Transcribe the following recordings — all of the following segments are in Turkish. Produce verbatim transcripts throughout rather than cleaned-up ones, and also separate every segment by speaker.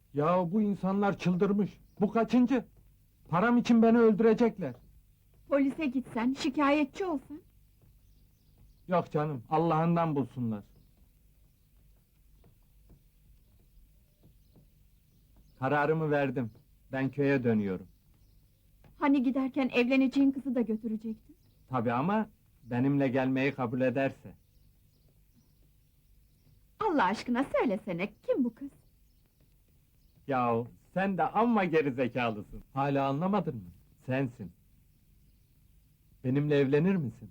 Speaker 1: Ya bu insanlar çıldırmış. Bu kaçıncı? Param için beni öldürecekler.
Speaker 2: Polise gitsen, şikayetçi olsan.
Speaker 1: Yok canım, Allah'ından bulsunlar. Kararımı verdim. Ben köye dönüyorum.
Speaker 2: Hani giderken evleneceğin kızı da götürecektin.
Speaker 1: Tabii ama benimle gelmeyi kabul ederse.
Speaker 2: Allah aşkına söylesene, kim bu kız?
Speaker 1: Yahu sen de amma gerizekalısın. Hala anlamadın mı? Sensin. Benimle evlenir misin?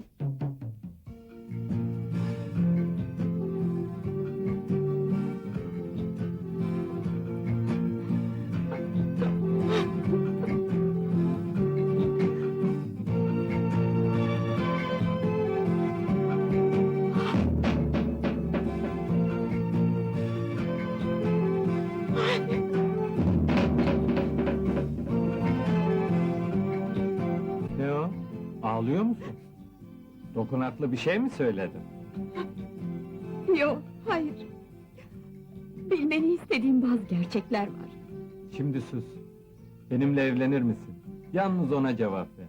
Speaker 1: Ne o? Ağlıyor musun? Dokunaklı bir şey mi söyledim?
Speaker 2: Yok, hayır. Bilmeni istediğim bazı gerçekler var.
Speaker 1: Şimdi sus. Benimle evlenir misin? Yalnız ona cevap ver.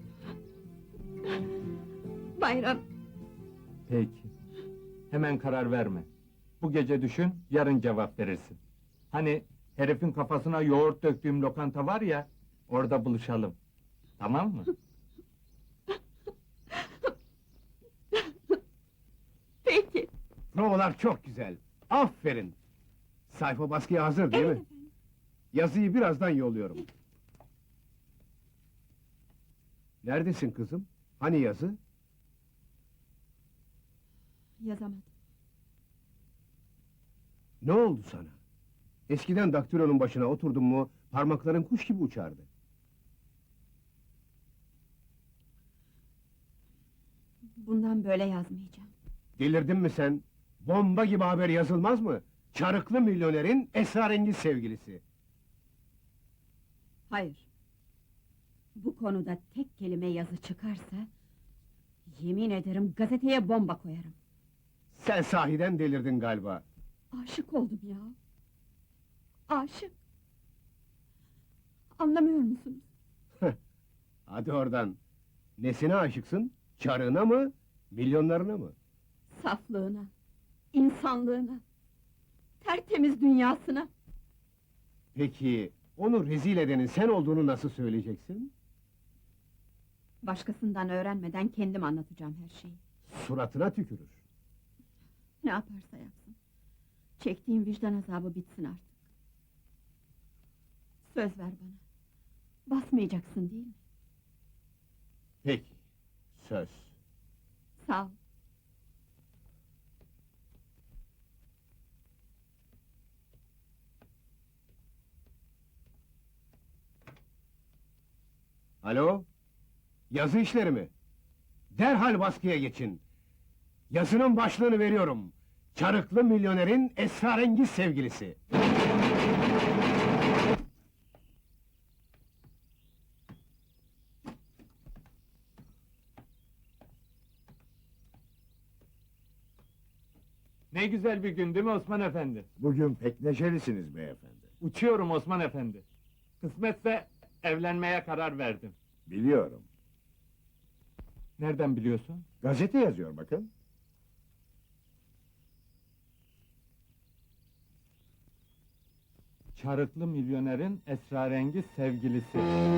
Speaker 2: Bayram,
Speaker 1: Peki. Hemen karar verme. Bu gece düşün, yarın cevap verirsin. Hani herifin kafasına yoğurt döktüğüm lokanta var ya, orada buluşalım. Tamam mı?
Speaker 2: peki.
Speaker 3: Provalar çok güzel. Aferin. Sayfa baskıya hazır değil
Speaker 2: Evet
Speaker 3: mi?
Speaker 2: efendim.
Speaker 3: Yazıyı birazdan yolluyorum. Neredesin kızım? Hani yazı?
Speaker 2: Yazamadım.
Speaker 3: Ne oldu sana? Eskiden daktilonun başına oturdun mu, parmakların kuş gibi uçardı.
Speaker 2: Bundan böyle yazmayacağım.
Speaker 3: Delirdin mi sen? Bomba gibi haber yazılmaz mı? Çarıklı milyonerin esrarengiz sevgilisi.
Speaker 2: Hayır. Bu konuda tek kelime yazı çıkarsa... ...yemin ederim gazeteye bomba koyarım.
Speaker 3: Sen sahiden delirdin galiba.
Speaker 2: Aşık oldum ya. Aşık. Anlamıyor musunuz?
Speaker 3: Hadi oradan. Nesine aşıksın? Çarığına mı? Milyonlarına mı?
Speaker 2: Saflığına, insanlığına, tertemiz dünyasına.
Speaker 3: Peki, onu rezil edenin sen olduğunu nasıl söyleyeceksin?
Speaker 2: Başkasından öğrenmeden kendim anlatacağım her şeyi.
Speaker 3: Suratına tükürür.
Speaker 2: Ne yaparsa yapsın. Çektiğim vicdan azabı bitsin artık. Söz ver bana. Basmayacaksın değil mi?
Speaker 3: Peki, söz.
Speaker 2: Sağ ol.
Speaker 3: Alo? Yazı işleri mi? Derhal baskıya geçin. Yazının başlığını veriyorum. Çarıklı milyonerin esrarengiz sevgilisi.
Speaker 1: Ne güzel bir gün değil mi Osman Efendi?
Speaker 4: Bugün pek neşelisiniz beyefendi.
Speaker 1: Uçuyorum Osman Efendi. Kısmetse evlenmeye karar verdim.
Speaker 4: Biliyorum.
Speaker 1: Nereden biliyorsun?
Speaker 4: Gazete yazıyor bakın.
Speaker 1: Çarıklı milyonerin esrarengiz sevgilisi.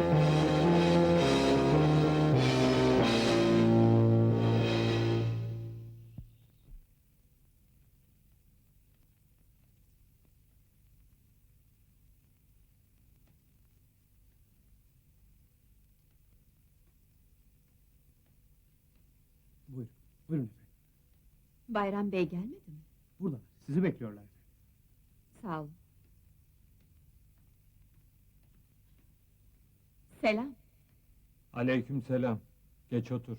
Speaker 3: Buyurun, buyurun efendim.
Speaker 2: Bayram Bey gelmedi mi?
Speaker 3: Burada, sizi bekliyorlar.
Speaker 2: Sağ olun. Selam.
Speaker 1: Aleykümselam. Geç otur.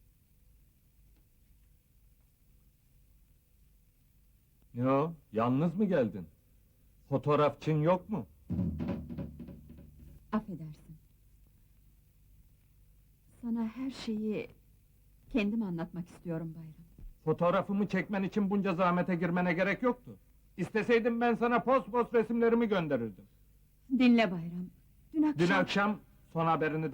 Speaker 1: Ne o? Yalnız mı geldin? Fotoğrafçın yok mu?
Speaker 2: Affedersin. Sana her şeyi kendim anlatmak istiyorum Bayram.
Speaker 1: Fotoğrafımı çekmen için bunca zahmete girmene gerek yoktu. İsteseydim ben sana post post resimlerimi gönderirdim.
Speaker 2: Dinle Bayram. Dün akşam...
Speaker 1: Dün akşam son haberini